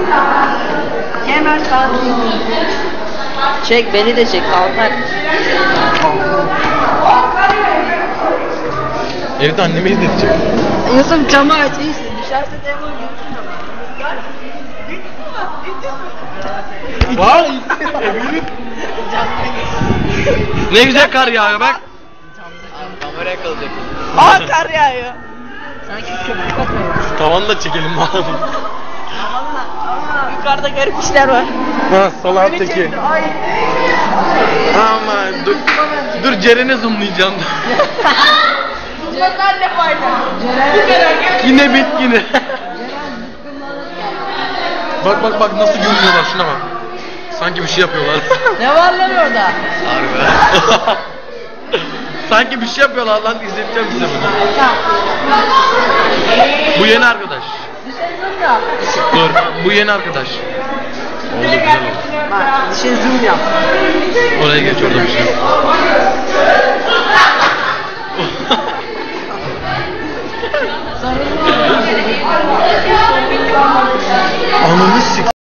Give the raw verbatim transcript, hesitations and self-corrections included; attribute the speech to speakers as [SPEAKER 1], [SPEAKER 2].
[SPEAKER 1] Kemer sağ. Çek beni de çek kalkar.
[SPEAKER 2] Evde annemi izletecek.
[SPEAKER 1] Yusuf camı aç iyisin. Dışarıda telefon görürsün.
[SPEAKER 2] Vay! Eminim. Ne güzel kar yağıyor bak. Kameraya kalacak.
[SPEAKER 1] Aa kar yağıyor. Sanki köpük atıyor.
[SPEAKER 2] Tavanı da çekelim bari.
[SPEAKER 1] Yukarıda garip işler var.
[SPEAKER 2] Ha salak teki. Aman dur. Dur Ceren'e zoomlayacağım.
[SPEAKER 1] Bunlar ne fayda?
[SPEAKER 2] Yine bit yine. Bak bak bak nasıl görünüyorlar şuna bak. Sanki bir şey yapıyorlar.
[SPEAKER 1] Ne var lan orada?
[SPEAKER 2] Harbi. Sanki bir şey yapıyorlar lan, izleteceğim size bunu. Bu yeni arkadaş. Dur, bu yeni arkadaş. Oldu güzel oldu.
[SPEAKER 1] Bak, dışarı zoom yap.
[SPEAKER 2] Oraya geç, orada bir şey yok. Ananı sik.